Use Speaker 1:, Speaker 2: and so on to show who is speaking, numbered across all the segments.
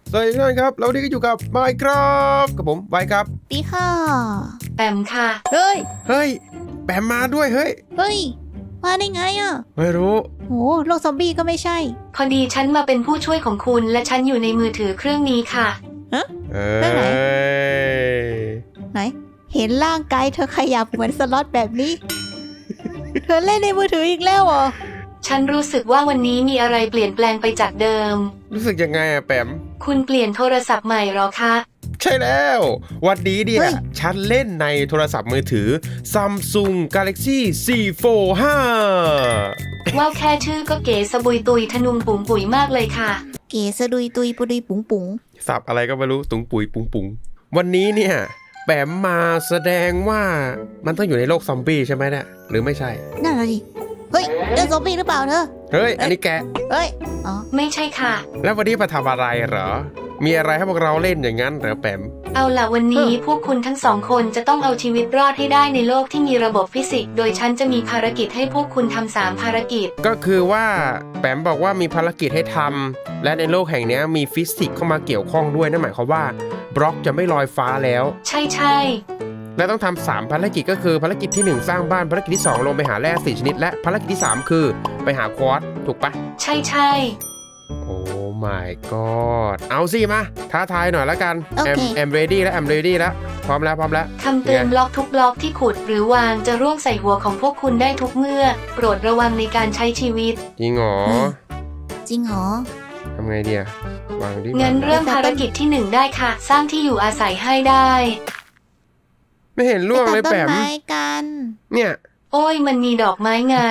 Speaker 1: สวัสดีทุกท่านครับเราวันนี้ก็อยู่กับ Minecraft กับผมไว้ครับ
Speaker 2: ปีค่ะ
Speaker 3: แปมค่ะ
Speaker 2: เฮ้ย
Speaker 1: แปมมาด้วยเฮ้ย
Speaker 2: มาได้ไงอ่ะ
Speaker 1: ไม่รู้
Speaker 2: โหโลกซอมบี้ก็ไม่ใช่
Speaker 3: พอดีฉันมาเป็นผู้ช่วยของคุณและฉันอยู่ในมือถือเครื่องนี้ค่ะ
Speaker 2: เรื่องไหนเห็นร่างกายเธอขยับเหมือนสล็อตแบบนี้ เธอเล่นในมือถืออีกแล้วเหรอ
Speaker 3: ฉันรู้สึกว่าวันนี้มีอะไรเปลี่ยนแปลงไปจากเดิม
Speaker 1: รู้สึกยังไงอะแปม
Speaker 3: คุณเปลี่ยนโทรศัพท์ใหม่หรอคะ
Speaker 1: ใช่แล้ววันนี้เนี่ยฉันเล่นในโทรศัพท์มือถือ Samsung Galaxy C45
Speaker 3: ว้าวแค่ชื่อก็เก๋สะบุยตุยทะนุงปุ๋งปุ๋ยมากเลยค่ะ
Speaker 2: เก๋สะดุยตุยปุดุยปุ๋งปุ๋ง
Speaker 1: สับอะไรก็ไม่รู้ตุงปุ๋ยปุงปุงวันนี้เนี่ยแปมมาแสดงว่ามันต้องอยู่ในโลกซอมบี้ใช่ไหมเนี่ยหรือไม่ใช่
Speaker 2: นั่นแหละดิเฮ้ยเจอซอมบี้หรือเปล่าเธอ
Speaker 1: เฮ้ยอันนี้แก
Speaker 2: เฮ้ยอ๋อ
Speaker 3: ไม่ใช่ค่ะ
Speaker 1: แล้ววันนี้มาทำอะไรเหรอมีอะไรให้พวกเราเล่นอย่างนั้นเหรอแปม
Speaker 3: เอาล่ะวันนี้พวกคุณทั้งสองคนจะต้องเอาชีวิตรอดให้ได้ในโลกที่มีระบบฟิสิกส์โดยฉันจะมีภารกิจให้พวกคุณทำ3ภารกิจ
Speaker 1: ก็คือว่าแปมบอกว่ามีภารกิจให้ทำและในโลกแห่งนี้มีฟิสิกส์เข้ามาเกี่ยวข้องด้วยนั่นหมายความว่าบล็อกจะไม่ลอยฟ้าแล้ว
Speaker 3: ใช่
Speaker 1: และต้องทำ3ภารกิจก็คือภารกิจที่1สร้างบ้านภารกิจที่2ลงไปหาแร่4ชนิดและภารกิจที่3คือไปหาควอตซ์ถูกปะ
Speaker 3: ใช่
Speaker 1: โอ้ my god เอาสิมาท้าทายหน่อยแล้วกันแอม ready แล้วพร้อมแล้ว
Speaker 3: คำเตือนบล็อกทุกบล็อกที่ขุดหรือวางจะร่วงใส่หัวของพวกคุณได้ทุกเมื่อโปรดระวังในการใช้ชีวิต
Speaker 1: จริงหรอทำไงดีอะวางดิ
Speaker 3: งั้นเริ่มภารกิจที่1ได้ค่ะสร้างที่อยู่อาศัยให้ได้
Speaker 1: ไม่เห็นร่วงเลยแปมเนี่ย
Speaker 3: โอ้ยมันมีดอกไม้ไง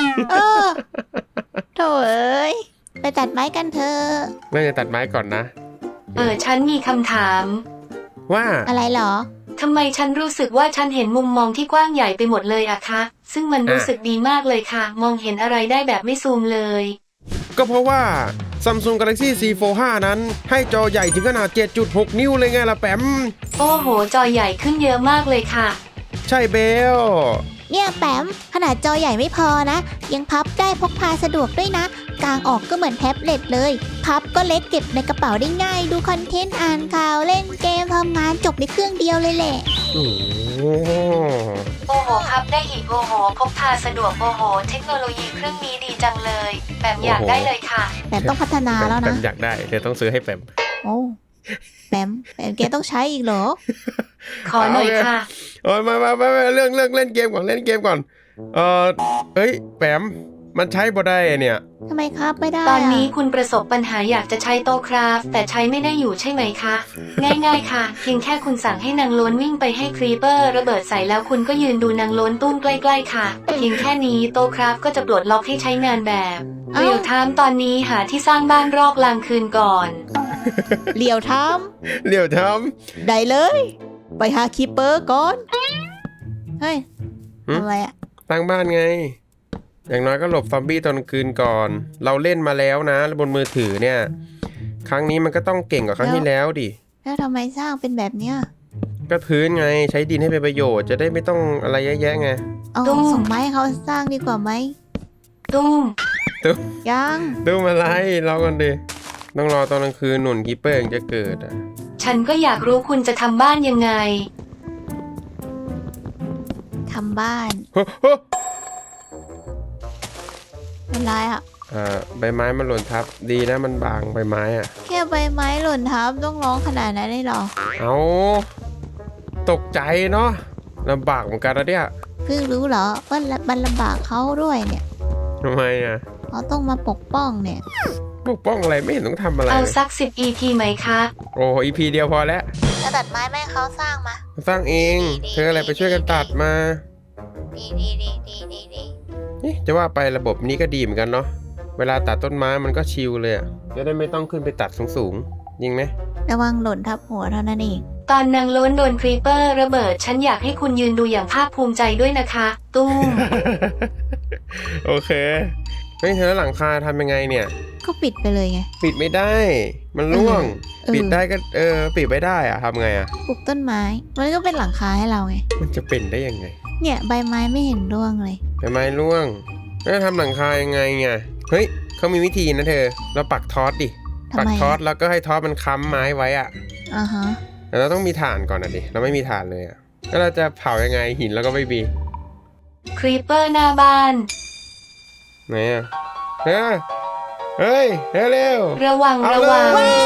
Speaker 2: โถ่เอ้ยไปตัดไม้กันเถอะ
Speaker 1: น่าจะตัดไม้ก่อนนะ
Speaker 3: ฉันมีคำถาม
Speaker 1: ว่า
Speaker 2: อะไรเหรอ
Speaker 3: ทำไมฉันรู้สึกว่าฉันเห็นมุมมองที่กว้างใหญ่ไปหมดเลยอะคะซึ่งมันรู้สึกดีมากเลยค่ะมองเห็นอะไรได้แบบไม่ซูมเลย
Speaker 1: ก็เพราะว่า Samsung Galaxy C45 นั้นให้จอใหญ่ถึงขนาด 7.6 นิ้วเลยไงล่ะแปม
Speaker 3: โอ้โหจอใหญ่ขึ้นเยอะมากเลยค่ะ
Speaker 1: ใช่เบล
Speaker 2: เนี่ยแปมขนาดจอใหญ่ไม่พอนะยังพับได้พกพาสะดวกด้วยนะกางออกก็เหมือนแท็บเล็ตเลยพับก็เล็กเก็บในกระเป๋าได้ง่ายดูคอนเทนต์อ่านข่าวเล่นเกมทำงานจบในเครื่องเดียวเลยแหละ
Speaker 3: โอ้โหพับได้อีกโอ้โหพกพาสะดวกโอ้โหเทคโนโลยีเครื่องนี้ดีจังเลยแปมอยากได้เลยค่ะ
Speaker 2: แปมต้องพัฒนาแล้วนะ
Speaker 1: แปมอยากได้เดี๋ยวต้องซื้อให้แปม
Speaker 2: โอ้แปมแกต้องใช้อีกเหรอ
Speaker 3: ขอหน่อยค่ะ
Speaker 1: มาเรื่องเล่นเกมก่อนเฮ้ยแปมมันใช้บ่ได้เนี่ย
Speaker 2: ทำไมครับไม่ได้
Speaker 3: ตอนนี้คุณประสบปัญหาอยากจะใช้โต๊ะคราฟแต่ใช้ไม่ได้อยู่ใช่ไหมคะง่ายๆค่ะเพียงแค่คุณสั่งให้นางโล้นวิ่งไปให้ครีเปอร์ระเบิดใส่แล้วคุณก็ยืนดูนางโล้นตุ้มใกล้ๆค่ะเพียงแค่นี้โต๊ะคราฟก็จะปลดล็อกให้ใช้งานแบบเรียวไทม์ตอนนี้หาที่สร้างบ้านรอกลางคืนก่อน
Speaker 2: เรียวไทม์ได้เลยไปหาคีเปอร์ก่อนเฮ้ยอะไรอะ
Speaker 1: ตั้งบ้านไงอย่างน้อยก็หลบซอมบี้ตอนคืนก่อนเราเล่นมาแล้วนะบนมือถือเนี่ยครั้งนี้มันก็ต้องเก่งกว่าครั้งที่แล้วดิ
Speaker 2: แล้วทำไมสร้างเป็นแบบเนี้ย
Speaker 1: ก็พื้นไงใช้ดินให้เป็นประโยชน์จะได้ไม่ต้องอะไรเยอะแยะไง
Speaker 2: ส่งไม้เขาสร้างดีกว่าไหม
Speaker 3: ตุ้ม
Speaker 2: ยัง
Speaker 1: อะไรรอกันดิต้องรอตอนกลางคืนหนุนคีเปอร์จะเกิดอ่ะ
Speaker 3: ฉันก็อยากรู้คุณจะทำบ้านยังไง
Speaker 2: ทำบ้านอะไรอ่ะ
Speaker 1: ใบไม้มันหล่นทับดีนะมันบางใบไม้อ่ะ
Speaker 2: แค่ใบไม้หล่นทับต้องร้องขนาดนั้นได้หรอ
Speaker 1: เอาตกใจเนาะลำบากเหมือนกันนะเนี่ย
Speaker 2: เพิ่งรู้เหรอว่ามันลำบากเขาด้วยเนี่ย
Speaker 1: ทำไมอ่ะ
Speaker 2: เขาต้องมาปกป้องเนี่ย
Speaker 1: ปกป้องอะไรไม่เห็นต้องทำอะไร
Speaker 3: เอาสัก10 EP ไหมคะ
Speaker 1: โอ้ EP เดียวพอแล้ว
Speaker 2: จะตัดไม้แม่เขาสร้างมา
Speaker 1: สร้างเองเธออะไรไปช่วยกันตัดมา
Speaker 2: ดี
Speaker 1: จะว่าไประบบนี้ก็ดีเหมือนกันเนาะเวลาตัดต้นไม้มันก็ชิลเลยอะจะได้ไม่ต้องขึ้นไปตัดสูงยิงไหม
Speaker 2: ระวังหล่นทับหัวเท่านั้นเอง
Speaker 3: ตอนนางโล้นโดนครีเปอร์ระเบิดฉันอยากให้คุณยืนดูอย่างภาคภูมิใจด้วยนะคะตุ้ม
Speaker 1: โอเคเฮ้ยเธอหลังคาทำยังไงเนี่ย
Speaker 2: ก็ปิดไปเลยไง
Speaker 1: ปิดไม่ได้มันร่วงปิดได้ก็ปิดไม่ได้อะทำไงอะ
Speaker 2: ปลูกต้นไม้มันก็เป็นหลังคาให้เราไง
Speaker 1: มันจะเป็นได้ยังไง
Speaker 2: เนี่ยใบไม้ไม่เห็นร่วงเลย
Speaker 1: ใบไม้ร่วงแล้วทำหลังคายังไงไงเฮ้ยเขามีวิธีนะเธอเราปักทอสดิ
Speaker 2: ททำ
Speaker 1: ปัก
Speaker 2: ไม
Speaker 1: ทอสแล้วก็ให้ทอสมันค้ำไม้ไว้อะ
Speaker 2: อ่าฮะ
Speaker 1: แต่เราต้องมีถ่านก่อนนะดิเราไม่มีถ่านเลยอะแล้วเราจะเผายังไงหินแล้วก็ไม่มี
Speaker 3: ครีปเปอร์หน้าบ้าน
Speaker 1: ไหนอะเฮ้ยเร็ว
Speaker 3: ระวัง
Speaker 1: เอา
Speaker 3: ระ
Speaker 1: เล
Speaker 3: วัง
Speaker 1: ย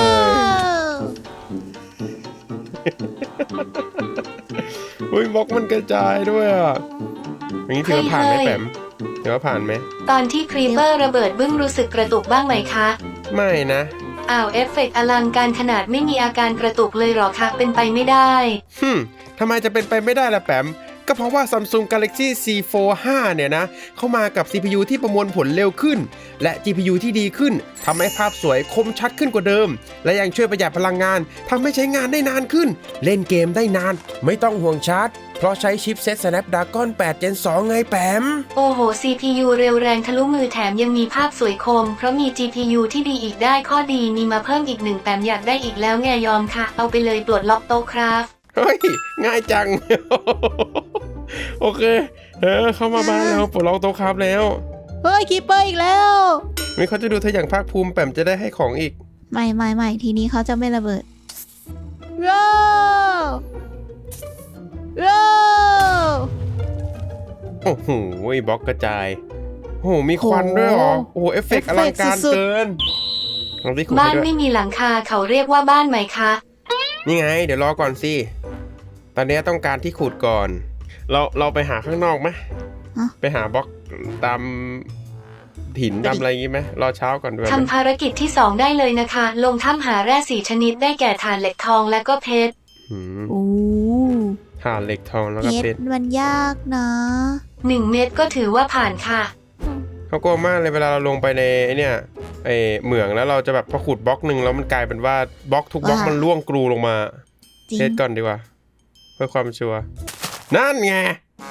Speaker 1: อุ้ยบล็อกมันกระจายด้วยอะอย่างนี้ถือว่าผ่านไหม
Speaker 3: เฮ้ย
Speaker 1: แปมถือว่าผ่านไหม
Speaker 3: ตอนที่ครีปเปอร์ระเบิดบึ้งรู้สึกกระตุกบ้างไหมคะ
Speaker 1: ไม่นะ
Speaker 3: อ้าวเอฟเฟกต์อลังการขนาดไม่มีอาการกระตุกเลยเหรอคะเป็นไปไม่ได้
Speaker 1: ทำไมจะเป็นไปไม่ได้ล่ะแปมก็เพราะว่า Samsung Galaxy C4 5 เนี่ยนะเข้ามากับ CPU ที่ประมวลผลเร็วขึ้น และ GPU ที่ดีขึ้นทำให้ภาพสวยคมชัดขึ้นกว่าเดิม และยังช่วยประหยัดพลังงานทำให้ใช้งานได้นานขึ้น เล่นเกมได้นาน ไม่ต้องห่วงชาร์จ เพราะใช้ชิปเซ็ต Snapdragon 8 Gen 2 ไงแปม
Speaker 3: โอ้โห CPU เร็วแรงทะลุมือแถมยังมีภาพสวยคม เพราะมี GPU ที่ดีอีกได้ข้อดีมีมาเพิ่มอีก1แปมอยากได้อีกแล้วไงยอมค่ะ เอาไปเลยปลดล็อกโต๊ะครับ
Speaker 1: เฮ้ย ง่ายจัง โอเคเข้ามาบ้านแล้วปลดล็อกโต๊ะครับแล้ว
Speaker 2: เฮ้ยคีเปอร์อีกแล้ว
Speaker 1: นี่เขาจะดูเธออย่างภาคภูมิแปมจะได้ให้ของอีก
Speaker 2: ไม่ทีนี้เขาจะไม่ระเบิดโรโร
Speaker 1: โอ้โหบล็อกกระจาย โอ้โห มีควันด้วยเหรอ โอ้โห เอฟเฟกต์อลังการเกินลองที่ขุด
Speaker 3: บ้าน
Speaker 1: ให้ด้วย
Speaker 3: ไม่มีหลังคาเขาเรียกว่าบ้านไหมคะ
Speaker 1: นี่ไง เดี๋ยวรอก่อนสิ ตอนนี้ต้องการที่ขุดก่อน เราไปหาข้างนอกไหมไปหาบล็อกตามหินตามอะไรอย่างงี้ไหมรอเช้าก่อนด้วย
Speaker 3: ทำภารกิจที่ 2 ได้เลยนะคะ ลงถ้ำหาแร่4ชนิดได้แก่ถ่านเหล็กทองและก็เพชร
Speaker 1: หืม
Speaker 2: โอ้
Speaker 1: ถ่านเหล็กทองแล้วก็
Speaker 2: เพ
Speaker 1: เพ
Speaker 2: ช
Speaker 1: ช
Speaker 2: ร
Speaker 1: ร
Speaker 2: มันยากนะ
Speaker 3: 1 เม็ดก็ถือว่าผ่านค่ะ
Speaker 1: เขากลัวมากเลยเวลาเราลงไปในไอ้เนี่ยไอ้เหมืองแล้วเราจะแบบพอขุดบล็อกหนึ่งแล้วมันกลายเป็นว่าบล็อกทุกบล็อกมันร่วงกรูลงมา
Speaker 2: จริง
Speaker 1: เช็ดก่อนดีกว่า เพื่อความชัวร์นั่นไง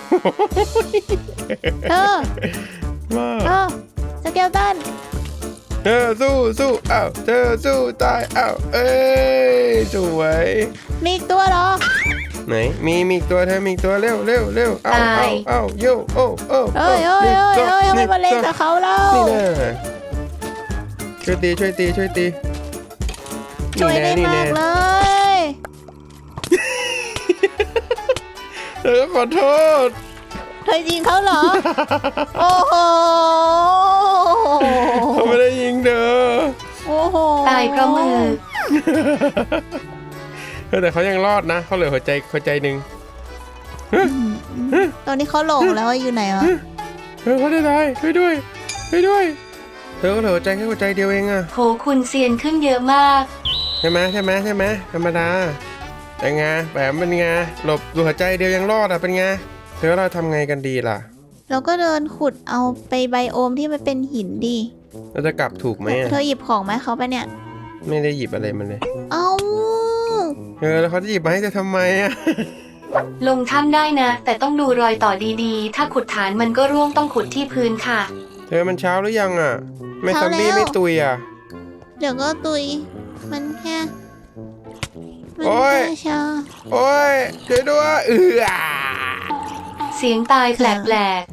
Speaker 2: เธอ
Speaker 1: ว่า
Speaker 2: สเกลตัน
Speaker 1: เธอสู้อ้าวเธอสู้ตายอ้าวเอ้ยสวย
Speaker 2: มีอีกตัวเหรอ
Speaker 1: ไหนมีอีกตัวเธอมีอีกตัวเร็วอ้าว
Speaker 3: ตาย
Speaker 1: อ้าวโยโอ้
Speaker 2: เอ้ยทำไมมาเล่นกับเขาเล่า
Speaker 1: นี่แน่ช่วยตี
Speaker 2: ช่วยได้
Speaker 1: นี่
Speaker 2: มา
Speaker 1: แน่
Speaker 2: กเลย
Speaker 1: เธอก็ขอโทษ
Speaker 2: เธอยิงเขาเหรอ โอ้โห
Speaker 1: เขาไม่ได้ยิงเธอ
Speaker 2: โอ้โห
Speaker 3: ตายเพราะมือ
Speaker 1: แต่เขายังรอดนะเขาเหลือหัวใจหนึ่ง
Speaker 2: ตอนนี้เขาหลงแล้วว่าอยู่ไหนวะ
Speaker 1: เขาได้ตายช่วยด้วยเธอก็เหลือหัวใจแค่หัวใจเดียวเองอะ
Speaker 3: โหคุณเซียนขึ้นเยอะมาก
Speaker 1: ใช่ไหมธรรมดาแต่ไงแบบเป็นไงหลบดูหัวใจเดียวยังรอดอะเป็นไงเธอเราทำไงกันดีล่ะ
Speaker 2: เราก็เดินขุดเอาไปไบโอมที่มันเป็นหินดิ
Speaker 1: เราจะกลับถูกไหมอะ
Speaker 2: เธอหยิบของไหมเขาไปเนี่ย
Speaker 1: ไม่ได้หยิบอะไรมาเลย
Speaker 2: เอา
Speaker 1: แล้วเขาจะหยิบมาให้เธอทำไมอะ
Speaker 3: ลงถ้ำได้นะ แต่ต้องดูรอยต่อดีๆ ถ้าขุดฐานมันก็ร่วงต้องขุดที่พื้นค่ะ
Speaker 1: เธอมันเช้าหรือยังอะไม่ซอมบี้ไม่ตุยอะ
Speaker 2: เดี๋ยวก็ตุย มันแค่มัน
Speaker 1: โอ๊ย
Speaker 2: แค่ชา
Speaker 1: โอ้ยช่วยด้วย
Speaker 3: เสียงตายแปลก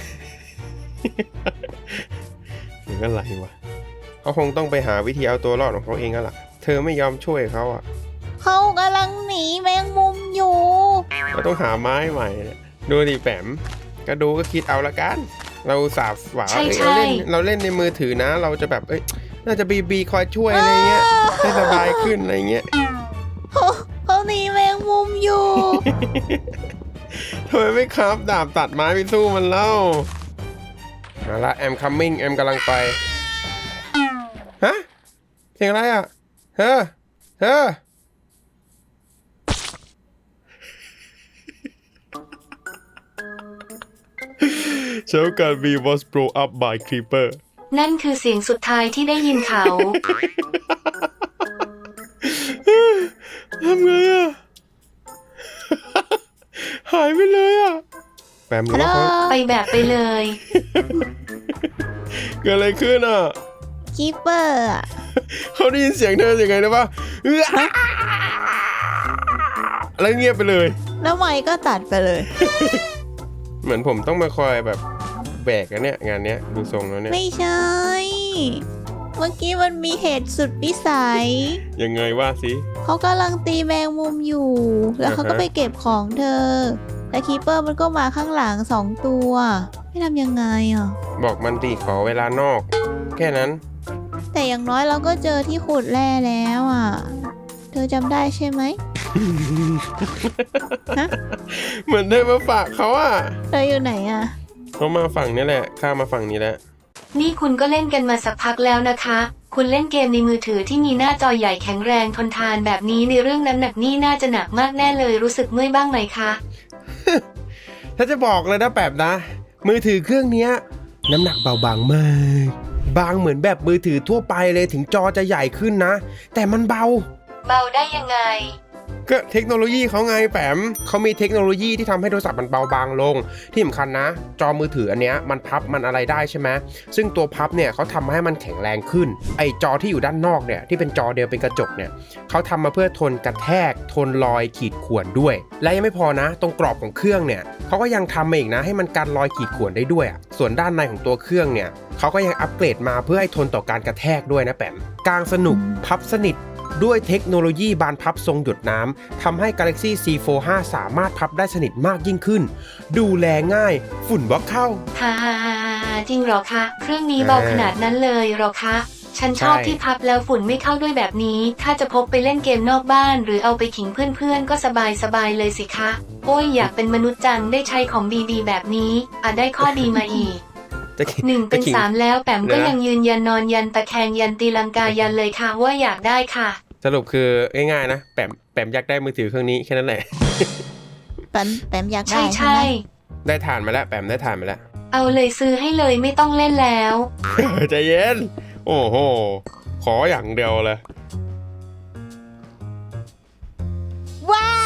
Speaker 1: หรืออะไรวะเขาคงต้องไปหาวิธีเอาตัวรอดของเขาเองแล้วล่ะเธอไม่ยอมช่วยเขาอะ
Speaker 2: เขากำลังหนีแมงมุมอยู่
Speaker 1: เราต้องหาไม้ใหม่เนี่ยดูดิแปมก็ดูก็คิดเอาละกัน เราสาบหวาเราเล่นในมือถือนะ เราจะแบบน่าจะบีคอยช่วยอะไรเงี้ยให้สบายขึ้นอะไรเงี้ย
Speaker 2: เขาหนีแมงมุมอยู่
Speaker 1: ทำไมไม่ครับดาบตัดไม้ไปสู้มันเล่ามาละแอมคัมมิ่งแอมกำลังไปฮะเสียงอะไรอ่ะเฮ้อเช้าการ V was blown up by creeper
Speaker 3: ๆ นั่นคือเสียงสุดท้ายที่ได้ยินเขา
Speaker 1: ทำไงอ่ะ หายไปเลยอ่ะแปมรู้ว่าเขา
Speaker 3: ไปแบบไปเลย
Speaker 1: เกิดอะไรขึ้นอ่ะ
Speaker 2: คีเปอร์อะ
Speaker 1: เขาได้ยินเสียงเธอยังไงนะปะแล้วเงียบไปเลย
Speaker 2: แล้วไมค์ก็ตัดไปเลย
Speaker 1: เหมือนผมต้องมาคอยแบบแบกกันเนี่ยงานเนี้ยดูทรงแล้วเนี่ย
Speaker 2: ไม่ใช่เมื่อกี้มันมีเหตุสุดวิสัย
Speaker 1: ยังไงว่าสิ
Speaker 2: เขากำลังตีแมงมุมอยู่ แล้วเขาก็ไปเก็บของเธอ แต่คีเปอร์มันก็มาข้างหลัง2 ตัว ไม่ทำยังไงอ่ะ
Speaker 1: บอกมันดิขอเวลานอก แค่นั้น
Speaker 2: แต่อย่างน้อยเราก็เจอที่ขุดแร่แล้วอ่ะ เธอจำได้ใช่ไหม ฮะ
Speaker 1: เหมือนได้มาฝากเขาอ่ะ
Speaker 2: เธออยู่ไหนอ่ะ
Speaker 1: เขามาฝั่งนี้แหละข้ามาฝั่งนี้แล้ว
Speaker 3: นี่คุณก็เล่นกันมาสักพักแล้วนะคะ คุณเล่นเกมในมือถือที่มีหน้าจอใหญ่แข็งแรงทนทานแบบนี้ในเรื่องน้ำหนักนี่น่าจะหนักมากแน่เลยรู้สึกเมื่อยบ้างไหมคะ
Speaker 1: ถ้าจะบอกเลยนะแบบนะ มือถือเครื่องเนี้ยน้ำหนักเบาบางมาก บางเหมือนแบบมือถือทั่วไปเลยถึงจอจะใหญ่ขึ้นนะ แต่มันเบา
Speaker 3: เบาได้ยังไง
Speaker 1: ก็เทคโนโลยีเขาไงแปมเขามีเทคโนโลยีที่ทำให้โทรศัพท์มันเบาบางลง ที่สำคัญนะ จอมือถืออันเนี้ยมันพับมันอะไรได้ใช่ไหมซึ่งตัวพับเนี่ยเขาทำให้มันแข็งแรงขึ้น ไอจอที่อยู่ด้านนอกเนี่ยที่เป็นจอเดียวเป็นกระจกเนี่ยเขาทำมาเพื่อทนกระแทกทนรอยขีดข่วนด้วย และยังไม่พอนะ ตรงกรอบของเครื่องเนี่ยเขาก็ยังทำมาอีกนะให้มันกันรอยขีดข่วนได้ด้วยอะส่วนด้านในของตัวเครื่องเนี่ยเขาก็ยังอัปเกรดมาเพื่อให้ทนต่อการกระแทกด้วยนะแปมกลางสนุกพับสนิทด้วยเทคโนโลยีบานพับทรงหยดน้ำทำให้ Galaxy C45 สามารถพับได้สนิทมากยิ่งขึ้น ดูแลง่ายฝุ่นบล็อกเข้า
Speaker 3: ฮ่าจริงเหรอคะ เครื่องนี้เบาขนาดนั้นเลยเหรอคะ ฉันชอบ
Speaker 1: ใช่
Speaker 3: ที่พับแล้วฝุ่นไม่เข้าด้วยแบบนี้ ถ้าจะพกไปเล่นเกมนอกบ้าน หรือเอาไปขิงเพื่อนๆก็สบายเลยสิคะ โอ้ยอยากเป็นมนุษย์จังได้ใช้ของดีๆแบบนี้ได้ข้อดีมาอีก
Speaker 1: จะขิ
Speaker 3: 1 เป็น
Speaker 1: จะขิง
Speaker 3: 3 แล้วแปมก็
Speaker 1: เดี๋ยวนะ
Speaker 3: ยังยืนยันนอนยันตะแคงยันตีลังกายันเลยค่ะว่าอยากได้ค่ะ
Speaker 1: สรุปคือง่ายๆนะแปมอยากได้มือถือเครื่องนี้แค่นั้นแหละ
Speaker 2: แปมอยากได้
Speaker 3: ใช่
Speaker 2: ใช่ไหม
Speaker 3: ๆ
Speaker 1: ได้ฐานมาแล้วแปมได้ฐานมาแล้ว
Speaker 3: เอาเลยซื้อให้เลยไม่ต้องเล่นแล้ว
Speaker 1: ใจเย็น โอ้โห ขออย่างเดียวเลย
Speaker 2: ว้า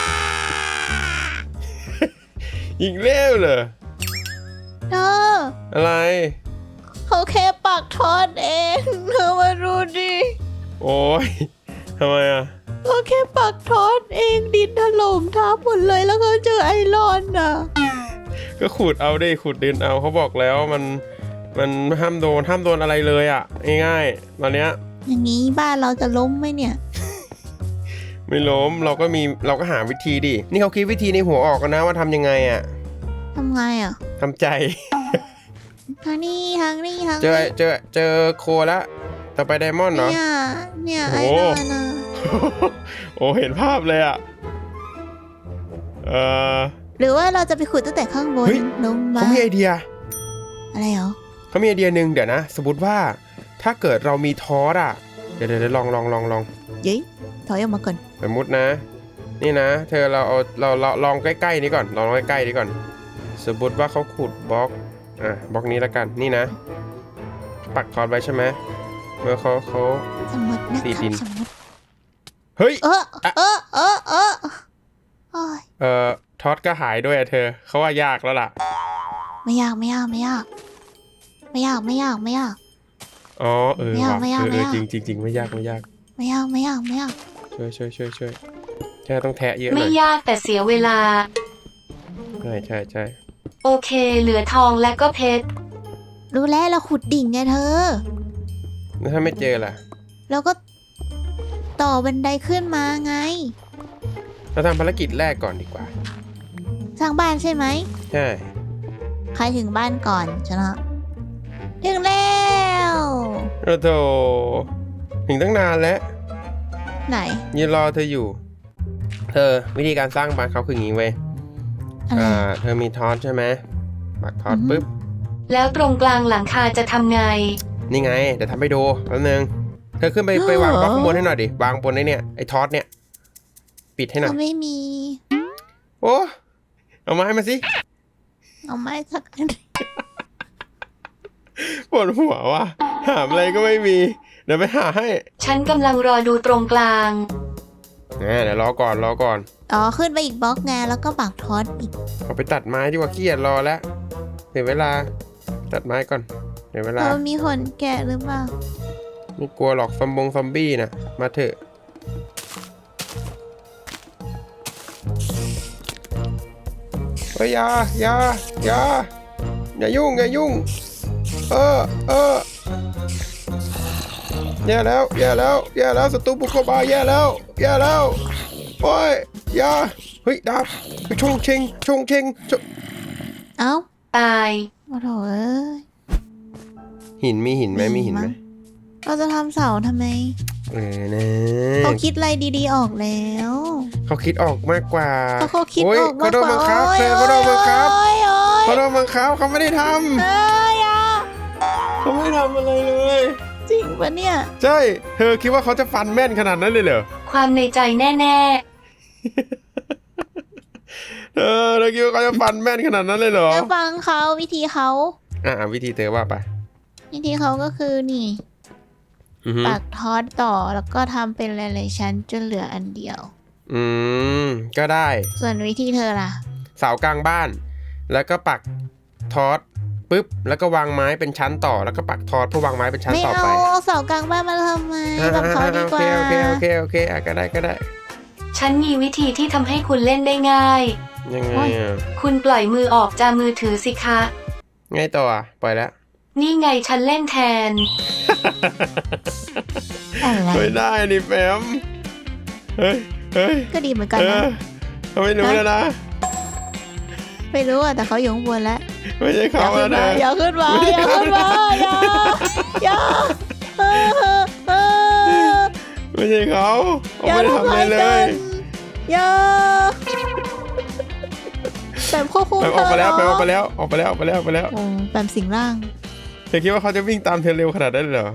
Speaker 1: ยิงเร็วเลย
Speaker 2: เธอ
Speaker 1: อะไร
Speaker 2: เขาแค่ปักทอดเองเธอมาดูดิ
Speaker 1: โอ้ยทำไมอ่ะ
Speaker 2: เขาแค่ปักทอดเองดินถล่มทับหมดเลยแล้วเขาเจอไอรอนอ่ะ
Speaker 1: ก็ขุดเอาดิขุดดินเอาเขาบอกแล้วมันห้ามโดนอะไรเลยอ่ะง่ายๆตอนเนี้ย
Speaker 2: อย่างนี้บ้านเราจะล้มไหมเนี่ย
Speaker 1: ไม่ล้มเราก็หาวิธีดินี่เขาคิดวิธีในหัวออกกันนะว่าทำยังไงอ่ะ
Speaker 2: ทำไงอ่ะ
Speaker 1: ทำใจ
Speaker 2: ทางนี้ทางนี้ทาง
Speaker 1: เจอ
Speaker 2: นี้
Speaker 1: เจอโคแล้วต่อไปไดมอนด์เหรอ
Speaker 2: เนี่ย
Speaker 1: โอ้
Speaker 2: ไอ
Speaker 1: โห
Speaker 2: รอนอ่ะ
Speaker 1: โอ้เห็นภาพเลยอ่ะเออ
Speaker 2: หรือว่าเราจะไปขุดตั้งแต่ข้างบน
Speaker 1: เฮ้ย
Speaker 2: ลงมา
Speaker 1: เขามีไอเดีย
Speaker 2: อะไรเหรอ
Speaker 1: เขามีไอเดียหนึ่งเดี๋ยวนะ สมมติว่าถ้าเกิดเรามีทอสอ่ะเดี๋ยวลอง
Speaker 2: เย้ยถอยออกมาก่อน
Speaker 1: สมมตินะ นี่นะ เธอเราลองใกล้ๆนี้ก่อนลองใกล้ๆนี้ก่อน สมมติว่าเขาขุดบล็อกบล็อกนี้แล้วกันนี่นะ ปักทอสไว้ใช่ไหมเมื่อเขา
Speaker 2: สมมตินะ
Speaker 1: ตี
Speaker 2: ค
Speaker 1: ดิ
Speaker 2: รับ
Speaker 1: น
Speaker 2: สมมติ
Speaker 1: เฮ้ย
Speaker 2: โอ้ย
Speaker 1: ทอสก็หายด้วยอะเธอเขาว่ายากแล้วล่ะ
Speaker 2: ไม่ยากไม่ยากไม่ยากไม่ยากไม่ยากไม่ยาก
Speaker 1: อ๋อ
Speaker 2: ไม่ยาก
Speaker 1: ว่ะ
Speaker 2: ไม่ยากไม่ยาก
Speaker 1: จริงไม่ยาก
Speaker 2: ไม่ยากไม่ยากไม่ยาก
Speaker 1: ช่วยแค่ต้องแทะเยอะห
Speaker 3: ไม่
Speaker 1: น่อย
Speaker 3: ยากแต่เสียเวลา
Speaker 1: ใช่
Speaker 3: โอเค เหลือทองและก็เพชร
Speaker 2: รู้แล้วเราขุดดิ่งไงเธอ
Speaker 1: แล้วถ้าไม่เจอล่ะ
Speaker 2: แล้วก็ต่อบันไดขึ้นมาไง
Speaker 1: เราทำภารกิจแรกก่อนดีกว่า
Speaker 2: สร้างบ้านใช่ไหม
Speaker 1: ใช่
Speaker 2: ใครถึงบ้านก่อนชนะถึงแล้ว
Speaker 1: โอ้โถถึงตั้งนานแล้ว
Speaker 2: ไหน
Speaker 1: ยืนรอเธออยู่ เธอวิธีการสร้างบ้านเขาคืออย่างนี้เว้ย
Speaker 2: อะไร
Speaker 1: เธอมีทอสใช่ไหมปักทอส
Speaker 2: อือฮึ
Speaker 1: ปุ๊บ
Speaker 3: แล้วตรงกลางหลังคาจะทำไง
Speaker 1: นี่ไงเดี๋ยวทำให้ดูแป๊บนึงเธอขึ้นไปวางบล็อกข้างบนให้หน่อยดิวางบนไอ้ทอสเนี่ยปิดให้หน่อย
Speaker 2: ก็ไม่มี
Speaker 1: โอ้เอามาให้มาสิ
Speaker 2: เอาไม้สักอัน
Speaker 1: ปวดหัวว่ะหาอะไรก็ไม่มี เดี๋ยวไปหาให้
Speaker 3: ฉันกำลังรอดูตรงกลาง
Speaker 1: เดี๋ยวรอก่อน
Speaker 2: อ๋อขึ้นไปอีกบล็อกไงแล้วก็ปักทอดอีก
Speaker 1: เอาไปตัดไม้ดีกว่าขี้เกียจรอแล้วเสียเวลาตัดไม้ก่อนเสียเวลา
Speaker 2: เรามีคนแกะหรือเปล่า
Speaker 1: ไม่กลัวหรอกซอมบี้นะมาเถอะเฮ้ยอย่ายุ่งเออแย่แล้วแย่แล้วแย่แล้วศัตรูบุกเข้ามาแย่แล้วแย่แล้วโอ้ยอย่าเฮ้ยดาบชงเชงชงเชง
Speaker 2: เอ้า
Speaker 3: ตาย
Speaker 2: โอ้โหเอ้ย
Speaker 1: หินมีหินไหมมีหินไหม
Speaker 2: เราจะทำเสาทำไม
Speaker 1: นะ
Speaker 2: เขาคิดอะไรดีๆออกแล้ว
Speaker 1: เขาคิดออกมากกว่า
Speaker 2: เขาคิดออกมากกว่า
Speaker 1: เขาโดนบังคับเขาโดนบังคับ
Speaker 2: โอ้ย
Speaker 1: เขาโดนบังคับเขาไม่ได้ท
Speaker 2: เอ้ยอ่ะ
Speaker 1: ำเขาไม่ทำอะไรเลย
Speaker 2: จริงปะเนี่ย
Speaker 1: ใช่เธอคิดว่าเขาจะฟันแม่นขนาดนั้นเลยเหรอ
Speaker 3: ความในใจแน่
Speaker 1: เธอคิดว่าเขาจะฟันแม่นขนาดนั้นเลยเหรอ
Speaker 2: เดี๋ยวฟังเขาวิธีเขา
Speaker 1: วิธีเธอว่าไป
Speaker 2: วิธีเขาก็คือนี่
Speaker 1: อือฮึ
Speaker 2: ปักทอดต่อแล้วก็ทำเป็นหลายๆชั้นจนเหลืออันเดียว
Speaker 1: อืมก็ได้
Speaker 2: ส่วนวิธีเธอล่ะ
Speaker 1: เสากลางบ้าน แล้วก็ปักทอดปุ๊บแล้วก็วางไม้เป็นชั้นต่อแล้วก็ปักทอดเพื่อวางไม้เป็นชั้น
Speaker 2: ไม่
Speaker 1: ต่อ
Speaker 2: เอา
Speaker 1: ไป
Speaker 2: เอาเสากลางบ้านมาทำไมแบบเขาดีกว่า
Speaker 1: โอเคก็ได้
Speaker 3: ๆ ฉันมีวิธีที่ทำให้คุณเล่นได้ง่าย
Speaker 1: ยังไงอ่ะ
Speaker 3: คุณปล่อยมือออกจากมือถือสิคะ
Speaker 1: ไงต่ออ่ะปล่อยแล้ว
Speaker 3: นี่ไงฉันเล่นแทน
Speaker 2: อะไร
Speaker 1: ไม่ได้นี่แฟมเฮ้ย
Speaker 2: ก็ดีเหมือนกันนะ
Speaker 1: เขาไม่รู้แล้วนะ
Speaker 2: ไม่รู้อ่ะแต่เขาอยู่ข้างบนแล้ว
Speaker 1: ไม่ใช่
Speaker 2: อ
Speaker 1: เขา
Speaker 2: ย่าขึ้น
Speaker 1: แล้ว
Speaker 2: มา
Speaker 1: นะ
Speaker 2: อย่าขึ้นมาอย่าขึ้นมาอย่าเออ
Speaker 1: ไม่ใช่เขาเขา
Speaker 2: อย่า
Speaker 1: ไม่ได้
Speaker 2: ทำ
Speaker 1: ทำอะไร
Speaker 2: ร้าย
Speaker 1: เล
Speaker 2: กั
Speaker 1: ย
Speaker 2: นอย่าแบบควบคุม
Speaker 1: แปม
Speaker 2: เธ
Speaker 1: ออกไปแล้ว
Speaker 2: เนะ
Speaker 1: แปมออกไปแล้วโอ้
Speaker 2: แบบสิงร่าง
Speaker 1: เธอคิดว่าเขาจะวิ่งตามเธอเร็วขนาดนั้นเลยเหรอ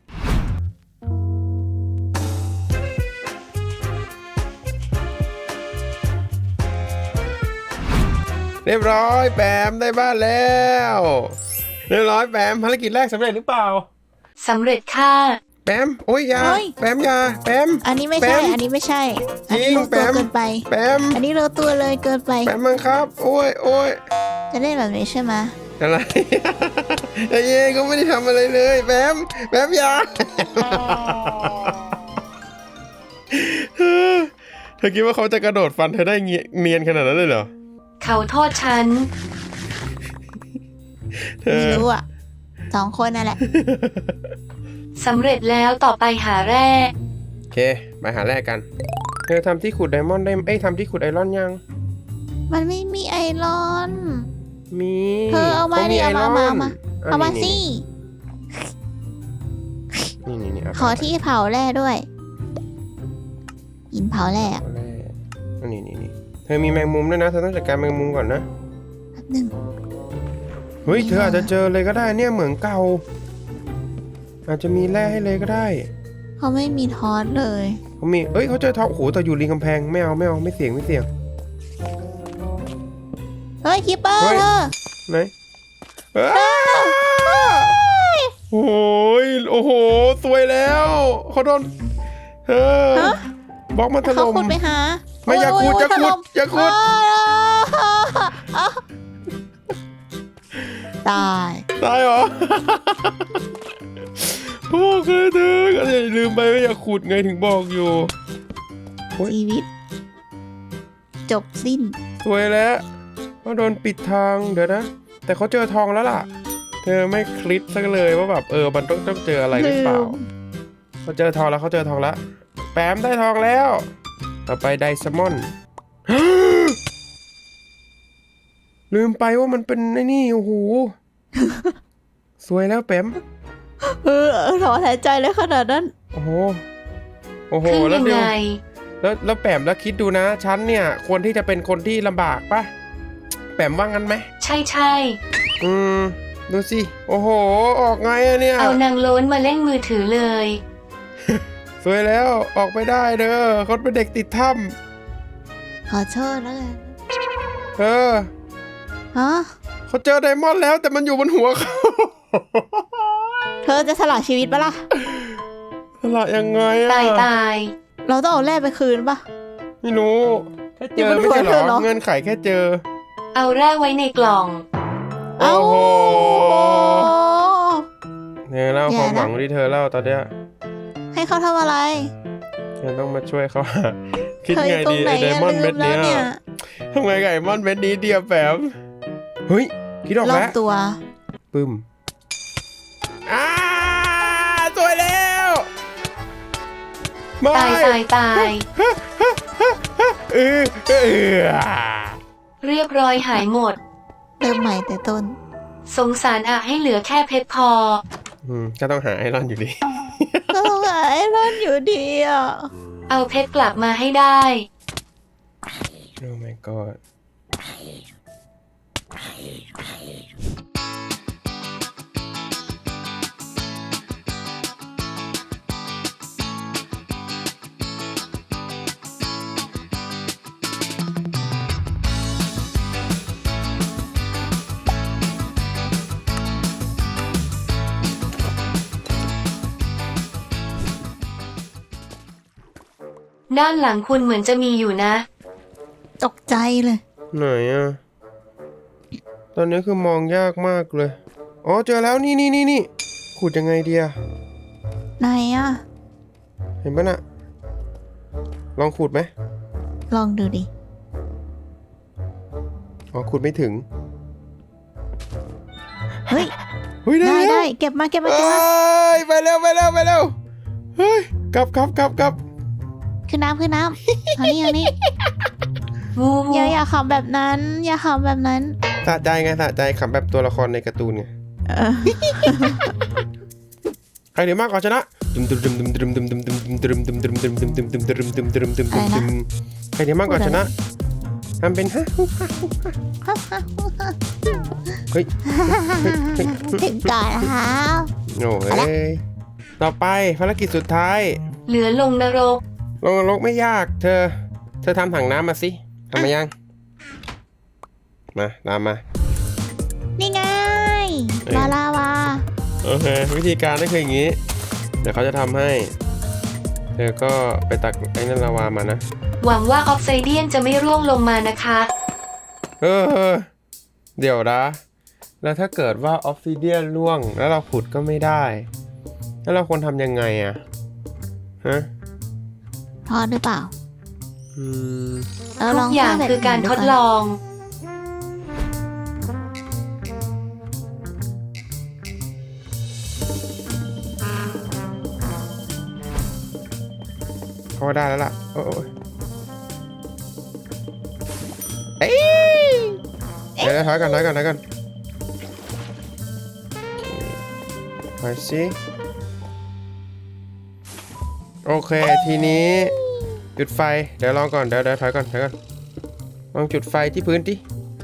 Speaker 1: เรียบร้อยแปมได้บ้านแล้วเรียบร้อยแปมภารกิจแรกสำเร็จหรือเปล่า
Speaker 3: สำเร็จค่ะ
Speaker 1: แปมโอ้ยอยาแปมอยาแปม
Speaker 2: อันนี้ไม่ใช่
Speaker 1: แปม
Speaker 2: อันนี้ไม่ใช่อันนี้
Speaker 1: จริง
Speaker 2: รู้ตัว
Speaker 1: แปม
Speaker 2: เกินไป
Speaker 1: แปม
Speaker 2: อันนี้รู้ตัวเลยเกินไป
Speaker 1: แปมมังครับ โอ้ย
Speaker 2: จะเล่นแบบนี้ใช่ไหม
Speaker 1: อะไร ไอ้เย่ก็ไม่ได้ทำอะไรเลยแปมอยาเธอคิดว่าเขาจะกระโดดฟันเธอได้เนียนขนาดนั้นเลยเหรอ
Speaker 3: เขาโทษฉัน
Speaker 1: เธอ
Speaker 2: ไม่รู้อ่ะ2 คนนั่นแหละ
Speaker 3: สำเร็จแล้วต่อไปหาแร่
Speaker 1: โอเคไปหาแรกกันเธอทำที่ขุดไดมอนด์ได้ทำที่ขุดไอรอนยัง
Speaker 2: มันไม่มีไอรอน
Speaker 1: มี
Speaker 2: เธอเอามาดิ
Speaker 1: ไอร
Speaker 2: เอา
Speaker 1: น
Speaker 2: มาเอามาสิ
Speaker 1: นี่เอาไป
Speaker 2: ขอที่เผาแร่ด้วยหินเผาแร่อะ
Speaker 1: เอาแร่นี่เธอมีแมงมุมด้วยนะเธอต้องจัดการแมงมุมก่อนนะ
Speaker 2: แป๊บหนึง
Speaker 1: เฮ้ยเธออาจจะเจอเลยก็ได้เนี่ยเหมืองเก่าอาจจะมีแร่ให้เลยก็ได้
Speaker 2: เขาไม่มีทอสเลย
Speaker 1: เขามีเขาเจอทองโอ้โหแต่อยู่ริมกำแพงไม่เอาไม่เสี่ยง
Speaker 2: เฮ้ยคิปเปอร์
Speaker 1: เฮ้ย
Speaker 2: เธอ
Speaker 1: ไหนโอ้โหสวยแล้วเขาโดนเธอบล็อกมันถ
Speaker 2: เขา
Speaker 1: ล่ม
Speaker 2: ขุดไปหา
Speaker 1: ไม่อย่าขุด
Speaker 2: โ
Speaker 1: อย่าขุด
Speaker 2: ถล่ม
Speaker 1: อย่าขุด
Speaker 2: ตาย
Speaker 1: ตายเหรอ โอ้เคยเธอก็อย่าลืมไปว่าอย่าขุดไงถึงบอกอยู่ โอ๊ย
Speaker 2: ชีวิต จบสิ้น
Speaker 1: สวยแล้วเขาโดนปิดทางเดี๋ยวนะ แต่เขาเจอทองแล้วล่ะ เธอไม่คลิปสักเลยว่าแบบมันต้องเจออะไรหรือเปล่า
Speaker 2: ลืม
Speaker 1: เขาเจอทองแล้วแปมได้ทองแล้ว ต่อไปไดซมอน ลืมไปว่ามันเป็นไอ้นี่โอ้โห สวยแล้วแปม
Speaker 2: ถอนหายใจเลยขนาดนั้น
Speaker 1: โอ้โห
Speaker 3: ขึ้น
Speaker 1: แล้ว
Speaker 3: ยัง
Speaker 1: เดี๋ยว
Speaker 3: ไง
Speaker 1: แล้วแปมแล้วคิดดูนะฉันเนี่ยควรที่จะเป็นคนที่ลำบากปะแปมว่างั้นไหม
Speaker 3: ใช่
Speaker 1: ดูสิโอ้โหออกไงอะเนี่ย
Speaker 3: เอานางโล้นมาเล่นมือถือเลย
Speaker 1: สวยแล้วออกไปได้เด้อเขาเป็นเด็กติดถ้
Speaker 2: ขอโทษแล้วกัน
Speaker 1: ำ
Speaker 2: ฮะ
Speaker 1: เขาเจอไดมอนด์แล้วแต่มันอยู่บนหัวเขา
Speaker 2: เธอจะสละชีวิตปะล่ะ
Speaker 1: สละยังไงอะ
Speaker 3: ตาย
Speaker 2: เราต้องเอาแร่ไปคืนปะ
Speaker 1: ไม่รู้แค่เจ
Speaker 2: อยู่
Speaker 1: อบ
Speaker 2: น
Speaker 1: ไม่ใช่เหร
Speaker 2: หัวเธอเหร
Speaker 1: อ
Speaker 2: อ
Speaker 1: เงื่อนไขแค่เจอ
Speaker 3: เอาแร่ไว้ในกล่อง
Speaker 1: โอ้โห
Speaker 2: โอ้
Speaker 1: เนี่ยเล่าความหวังที่เธอเล่าตอนเนี้ย
Speaker 2: ให้เขาทำอะไร
Speaker 1: เธอต้องมาช่วยเขา คิด
Speaker 2: เธออ
Speaker 1: ไง
Speaker 2: ยู่ตร
Speaker 1: ดี
Speaker 2: งไหน
Speaker 1: ไอ้ได
Speaker 2: อะ
Speaker 1: มอนด์
Speaker 2: ลื
Speaker 1: เม็ด
Speaker 2: มแล้
Speaker 1: เนี้
Speaker 2: วย เนี่ย
Speaker 1: ทำไงกับไดมอนด์เม็ดนี้เดียวแปมเฮ้ยคิดออก
Speaker 2: รอ
Speaker 1: แล้
Speaker 2: บ
Speaker 1: ว
Speaker 2: ตัว
Speaker 1: ปึ้มสวยแล้วไม่
Speaker 3: ตาย
Speaker 1: เออ
Speaker 3: เรียบร้อยหายหมด
Speaker 2: เริ่มใหม่แต่ต้น
Speaker 3: สงสารอะให้เหลือแค่เพชรพอ
Speaker 1: ก็ต้องหาไอรอนอยู่ดี
Speaker 2: ก็ต้องหาไอรอนอยู่ดีอ่ะ
Speaker 3: เอาเพชรกลับมาให้ได้
Speaker 1: โอ้ my god
Speaker 3: ด้านหลังคุณเหมือนจะมีอยู่นะ
Speaker 2: ตกใจเลย
Speaker 1: ไหนอ่ะ ตอนนี้คือมองยากมากเลย อ๋อเจอแล้วนี่ขุดยังไงดีอะ
Speaker 2: ไหนอ่ะ
Speaker 1: เห็นปะน่ะ ลองขุดไหม
Speaker 2: ลองดูดิ
Speaker 1: อ๋อขุดไม่ถึง
Speaker 2: เฮ้ย
Speaker 1: เฮ้ยได้
Speaker 2: ได้
Speaker 1: แล้ว
Speaker 2: ได้เก็บมาเก็บมา
Speaker 1: เอ้
Speaker 2: เก็บมาย
Speaker 1: ไปเร็วเฮ้ยกลับ
Speaker 2: ขึ้นน้ำขึ้นน้ำทางนี้ทางนี้
Speaker 3: งู
Speaker 2: อย่าขำแบบนั้น อย่าขำแบบนั้น
Speaker 1: สะใจไงสะใจขำแบบตัวละครในการ์ตูนไง
Speaker 2: เออ
Speaker 1: ใครเหนือมากกว่าชนะใครเหนือมากกว่าชนะทำเป็นฮะเฮ้ย
Speaker 2: ถึงก่อนนะคะ
Speaker 1: โอ้ยต่อไปภารกิจสุดท้าย
Speaker 3: เหลือลงนรก
Speaker 1: ลงนรกไม่ยาก เธอทำถังน้ำมาสิทำมายังมาตามมา
Speaker 2: นี่ไง
Speaker 1: เอ้ย
Speaker 2: ลาวา
Speaker 1: โอเควิธีการก็คืออย่างนี้ เดี๋ยวเขาจะทำให้ เธอก็ไปตักไอ้นั่นลาวามานะ
Speaker 3: หวังว่าออฟไซเดียนจะไม่ร่วงลงมานะคะ
Speaker 1: เเดี๋ยวนะ แล้วถ้าเกิดว่าออฟซิเดียนร่วง แล้วเราขุดก็ไม่ได้ แล้วเราควรทำยังไงอะฮะ
Speaker 2: พอหรือเปล่า เรา
Speaker 3: ทุ
Speaker 2: ล
Speaker 3: ก
Speaker 2: อง
Speaker 3: อย่าง
Speaker 2: สร้แบบ
Speaker 3: คือการทดลอง
Speaker 1: เขาได้แล้วล่ะโอ้ยเอ้ยเดี๋ยวถอยก่อนถอยสิโอเค ทีนี้จุดไฟ เดี๋ยวลองก่อน เดี๋ยวถอยก่อนลองจุดไฟที่พื้นดิ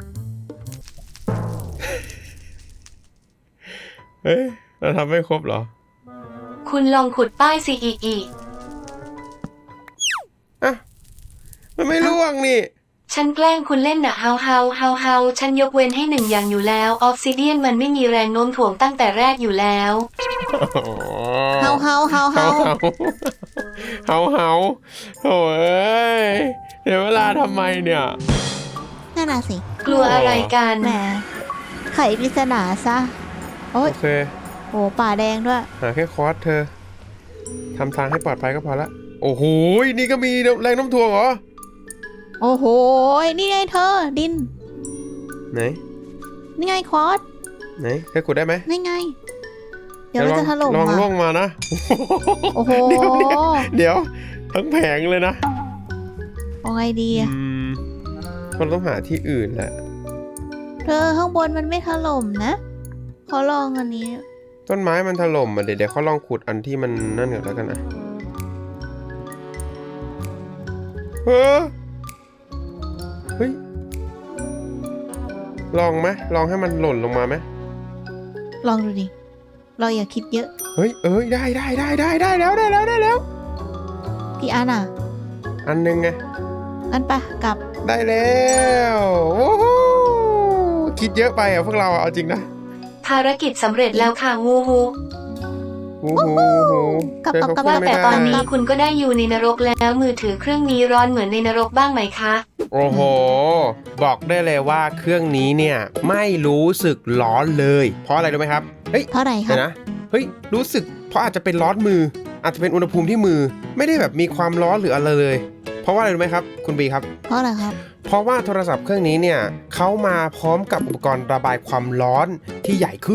Speaker 1: เฮ้ย เราทำไม่ครบเหรอ
Speaker 3: คุณลองขุดป้ายซีอี
Speaker 1: อ่ะ มันไม่ร่วงนี่
Speaker 3: ฉันแกล้งคุณเล่นน่ะเฮาฉันยกเว้นให้หนึ่งอย่างอยู่แล้วออฟซิเดียนมันไม่มีแรงโน้มถ่วงตั้งแต่แรกอยู่แล้ว
Speaker 2: เฮา
Speaker 1: โอ้ยเดี๋ยวเวลาทำไมเนี่ย
Speaker 2: นั่นน่ะสิ
Speaker 3: กลัวอะไรกัน
Speaker 2: แหมไขปริศนาซะ โอ้ย
Speaker 1: โอเค
Speaker 2: โอ้ป่าแดงด้วย
Speaker 1: หาแค่คอร์สเธอทำทางให้ปลอดภัยก็พอละ โอ้โห นี่ก็มีแรงโน้ำถ่วงเหรอ
Speaker 2: โอ้โห นี่ไงเธอ ดิน
Speaker 1: ไหน
Speaker 2: นี่ไงคอร์ส
Speaker 1: ไหนเธอขุดได้ไหม
Speaker 2: นี่ไง เดี๋ยวมันจะถล่ม
Speaker 1: ลองล่ว
Speaker 2: อ่ะ
Speaker 1: งมานะ
Speaker 2: โอ้โห
Speaker 1: เดี๋ยวทั้งแผงเลยนะ
Speaker 2: เอาไงดีอะ
Speaker 1: คนต้องหาที่อื่นแหละ
Speaker 2: เธอข้างบนมันไม่ถล่มนะเขาลองอันนี้
Speaker 1: ต้นไม้มันถล่มอ่ะเดี๋ยวเขาลองขุดอันที่มันนั่นก่อนแล้วกันนะเฮ้ย ลองไหมลองให้มันหล่นลงมาไหม
Speaker 2: ลองดูดิ เราอย่าคิดเยอะ
Speaker 1: เฮ้ยได้แล้ว
Speaker 2: กี่อันอ่ะ
Speaker 1: อันหนึงไง
Speaker 2: อันปะกลับ
Speaker 1: ได้แล้วโอ้โหคิดเยอะไปอ่ะพวกเราอ่ะเอาจริงนะ
Speaker 3: ภารกิจสำเร็จแล้วค่ะงูฮู
Speaker 1: โอ้โห
Speaker 2: กลับ
Speaker 1: เจอเขา
Speaker 2: กลับ
Speaker 1: พูด
Speaker 3: ว่า
Speaker 1: ไม่
Speaker 3: แต่
Speaker 1: ได้
Speaker 3: ตอนนี้คุณก็ได้อยู่ในนรกแล้วมือถือเครื่องนี้ร้อนเหมือนในนรกบ้างไหมคะ
Speaker 1: โอ้โห บอกได้เลยว่าเครื่องนี้เนี่ยไม่รู้สึกร้อนเลย เพราะอะไรรู้ไหมครับ เฮ้ย
Speaker 2: เท่าไหร่ครั
Speaker 1: เดี๋
Speaker 2: บ
Speaker 1: ยวนะ เฮ้ย รู้สึกเพราะอาจจะเป็นร้อนมือ อาจจะเป็นอุณหภูมิที่มือ ไม่ได้แบบมีความร้อนหรืออะไรเลย เพราะว่าอะไรรู้ไหมครับ คุณบีครับ
Speaker 2: เพราะอะไรครับ
Speaker 1: เพราะว่าโทรศัพท์เครื่องนี้เนี่ยเขามาพร้อมกับอุปกรณ์ระบายความร้อนที่ใหญ่ขึ้น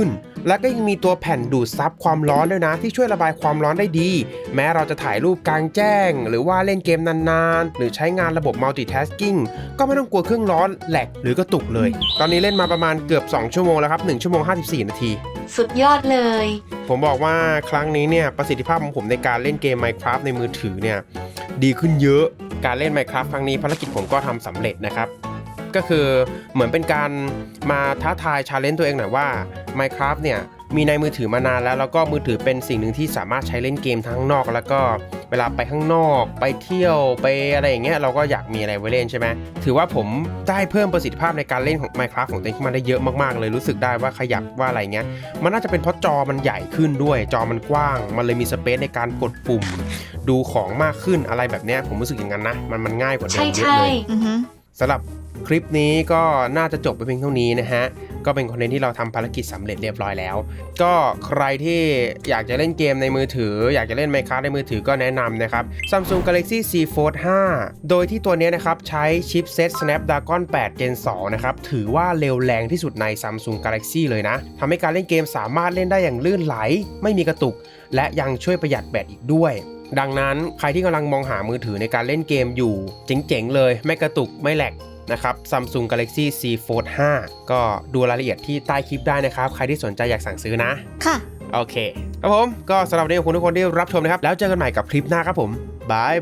Speaker 1: และก็ยังมีตัวแผ่นดูดซับความร้อนด้วยนะที่ช่วยระบายความร้อนได้ดี แม้เราจะถ่ายรูปกลางแจ้งหรือว่าเล่นเกมนานๆหรือใช้งานระบบ multitasking ก็ไม่ต้องกลัวเครื่องร้อนแหลกหรือกระตุกเลย ตอนนี้เล่นมาประมาณเกือบ2ชั่วโมงแล้วครับ1ชั่วโมง54นาที
Speaker 3: สุดยอดเลย
Speaker 1: ผมบอกว่าครั้งนี้เนี่ยประสิทธิภาพของผมในการเล่นเกม Minecraft ในมือถือเนี่ยดีขึ้นเยอะการเล่น Minecraft ครั้งนี้ภารกิจผมก็ทำสำเร็จนะครับก็คือเหมือนเป็นการมาท้าทาย challenge ตัวเองหน่อยว่า Minecraft เนี่ยมีในมือถือมานานแล้วก็มือถือเป็นสิ่งหนึ่งที่สามารถใช้เล่นเกมทั้งข้างนอกแล้วก็เวลาไปข้างนอกไปเที่ยวไปอะไรอย่างเงี้ยเราก็อยากมีอะไรไว้เล่นใช่ไหมถือว่าผมได้เพิ่มประสิทธิภาพในการเล่นของ Minecraft ของตัวเองขึ้นมาได้เยอะมากๆเลยรู้สึกได้ว่าขยับว่าอะไรเงี้ยมันน่าจะเป็นเพราะจอมันใหญ่ขึ้นด้วยจอมันกว้างมันเลยมีสเปซในการกดปุ่มดูของมากขึ้นอะไรแบบเนี้ยผมรู้สึกอย่างนั้นนะมันง่ายกว่าเดิมเยอะเลยสำหรับคลิปนี้ก็น่าจะจบไปเพียงเท่านี้นะฮะก็เป็นคอนเทนต์ที่เราทำภารกิจสำเร็จเรียบร้อยแล้วก็ใครที่อยากจะเล่นเกมในมือถืออยากจะเล่น Minecraft ในมือถือก็แนะนำนะครับ Samsung Galaxy Z Fold 5 โดยที่ตัวนี้นะครับใช้ชิปเซต Snapdragon 8 Gen 2 นะครับถือว่าเร็วแรงที่สุดใน Samsung Galaxy เลยนะทำให้การเล่นเกมสามารถเล่นได้อย่างลื่นไหลไม่มีกระตุกและยังช่วยประหยัดแบตอีกด้วยดังนั้นใครที่กำลังมองหามือถือในการเล่นเกมอยู่เจ๋งๆเลยไม่กระตุกไม่แหลกนะครับ Samsung Galaxy Z Fold 5 ก็ดูรายละเอียดที่ใต้คลิปได้นะครับใครที่สนใจอยากสั่งซื้อนะ
Speaker 2: ค่ะ
Speaker 1: โอเคครับผมก็สำหรับวันนี้ขอบคุณทุกคนที่รับชมนะครับแล้วเจอกันใหม่กับคลิปหน้าครับผมบาย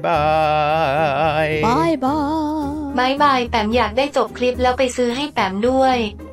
Speaker 1: บาย
Speaker 2: บายบาย
Speaker 3: บายบายแปมอยากได้จบคลิปแล้วไปซื้อให้แปมด้วย